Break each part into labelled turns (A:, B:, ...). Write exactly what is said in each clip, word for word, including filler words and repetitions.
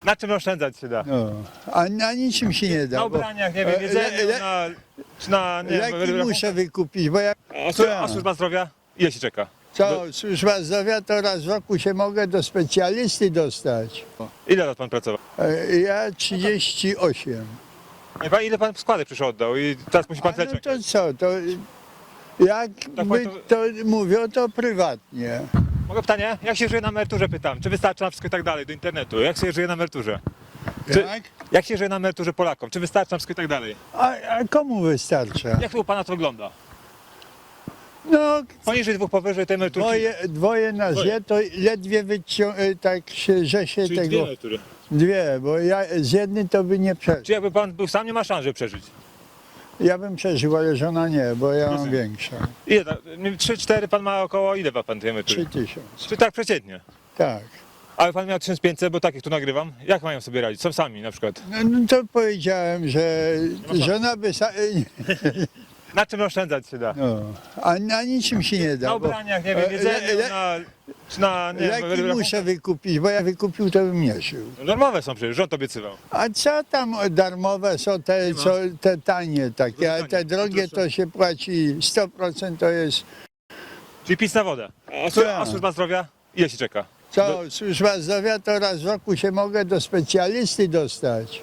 A: Na czym oszczędzać się da?
B: No, a na niczym się nie da.
A: Na
B: bo-
A: ubraniach, nie wiem,
B: e,
A: jedzeniu,
B: le- le-
A: na... Czy na nie
B: Leki
A: wiem,
B: muszę wykupić, bo ja...
A: a, słu- a służba zdrowia? Ile się czeka?
B: Co, służba zdrowia to raz w roku się mogę do specjalisty dostać.
A: Ile lat pan pracował?
B: E, Ja trzydzieści osiem.
A: Nie, pan, ile pan składek przyszło oddał i teraz musi pan
B: A
A: tyle
B: no
A: czekać?
B: to co, to jak
A: Tak
B: my
A: pan
B: to mówią, to prywatnie.
A: Mogę pytanie? Jak się żyje na emeryturze, pytam? Czy wystarczy na wszystko i tak dalej, do internetu? Jak się żyje na emeryturze? Czy,
B: Tak?
A: jak się żyje na emeryturze Polakom? Czy wystarczy na wszystko i tak dalej?
B: A, a komu wystarcza?
A: Jak to u pana to wygląda?
B: No,
A: Poniżej dwóch, powyżej tej emeryturki?
B: dwoje, dwoje na
A: Dwoje.
B: zje, to ledwie wycią- tak się, że się
A: Czyli
B: tego...
A: dwie emerytury.
B: Dwie, bo ja z jednej to by nie przeżył.
A: Czy jakby pan był sam, nie ma szans, żeby przeżyć?
B: Ja bym przeżył, ale żona nie, bo ja mam
A: Rozumiem.
B: większą.
A: Ile? ta- Trzy, cztery, pan ma około, ile ma pan tej emerytury?
B: Trzy tysiące.
A: Czy tak przeciętnie?
B: Tak.
A: Ale pan miał tysiąc pięćset, bo takich tu nagrywam. Jak mają sobie radzić? Są sami na przykład.
B: No, no to powiedziałem, że
A: ma pan.
B: żona by... Sa-
A: Na czym oszczędzać się da?
B: no, a na niczym się nie da.
A: Na
B: bo
A: ubraniach, nie wiem,
B: e,
A: jedzeniu,
B: le- le-
A: na... Czy na nie
B: Leki
A: wiem,
B: muszę wykupić, bo ja wykupił, to bym nie żył.
A: Darmowe są przecież, rząd obiecywał.
B: A co tam darmowe są te, co, te tanie takie, a te
A: tanie,
B: drogie to się płaci sto procent to jest...
A: Czyli PiS na wodę. A, słu- a
B: Tak.
A: służba zdrowia? Ile się czeka?
B: Co, służba zdrowia to raz w roku się mogę do specjalisty dostać.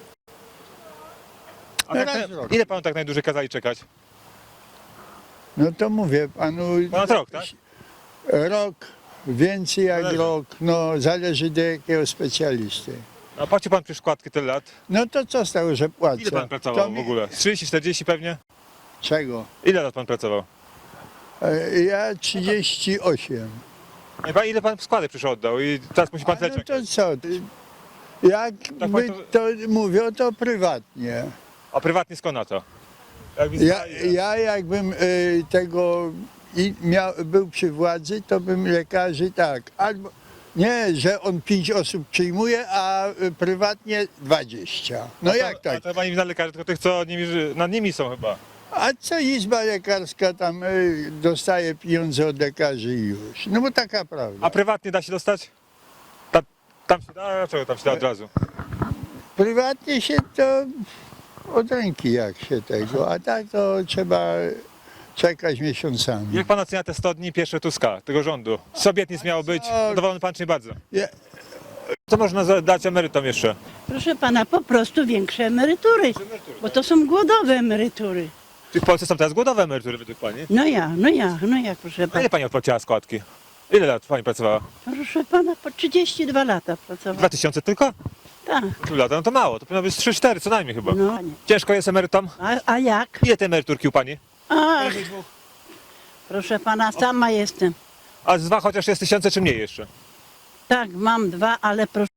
A: A tak,
B: Raz
A: na-
B: w roku.
A: ile panu tak najdłużej kazali czekać?
B: No to mówię panu...
A: Ponad rok, tak?
B: Rok, więcej jak
A: Zależy.
B: rok, no zależy do jakiego specjalisty.
A: A płaci pan przecież składki tyle lat.
B: No to co z tego, że płacę?
A: Ile pan
B: To
A: pracował
B: mi-
A: w ogóle? trzydzieści, czterdzieści pewnie?
B: Czego?
A: Ile lat pan pracował?
B: E, Ja trzydzieści osiem.
A: Nie, pan, ile pan składek przyszło oddał i teraz musi pan
B: A
A: tyle
B: no
A: czekać?
B: to co? Jak
A: Tak
B: my
A: pan
B: to mówią, to prywatnie.
A: A prywatnie skąd na to? Jak
B: Ja,
A: wizyta-
B: ja jakbym y, tego i miał, był przy władzy, to bym lekarzy tak, albo nie, że on pięć osób przyjmuje, a y, prywatnie dwadzieścia. No
A: A to-
B: jak
A: A
B: tak?
A: to chyba nie na lekarzy, tylko tych, co nimi, ży- nad nimi są chyba.
B: A co izba lekarska tam y, dostaje pieniądze od lekarzy i już? No bo taka prawda.
A: A prywatnie da się dostać? Ta, tam się da? A dlaczego tam się da od razu?
B: Prywatnie się to od ręki jak się tego, a tak to trzeba czekać miesiącami.
A: Jak pan ocenia te sto dni pierwsze Tuska, tego rządu? Z obietnic miało być,
B: co?
A: zadowolony pan czy nie bardzo?
B: Ja,
A: Co można za- dać emerytom jeszcze?
C: Proszę pana, po prostu większe emerytury, bo to są głodowe emerytury.
A: Czy w Polsce są teraz głodowe emerytury według pani?
C: No ja, no ja, no jak, proszę
A: A
C: pana.
A: ile pani odpłaciła składki? Ile lat pani pracowała?
C: Proszę pana, po trzydzieści dwa lata
A: Dwa
C: pracowałam.
A: tysiące tylko?
C: Tak,
A: Trzy lata, no to mało, to powinno być trzy cztery co najmniej chyba.
C: no.
A: Ciężko jest emerytom?
C: A, a jak?
A: Ile te emeryturki u pani?
C: Ach, proszę pana, sama jestem.
A: A z dwa chociaż jest tysiące czy mniej jeszcze?
C: Tak, mam dwa, ale proszę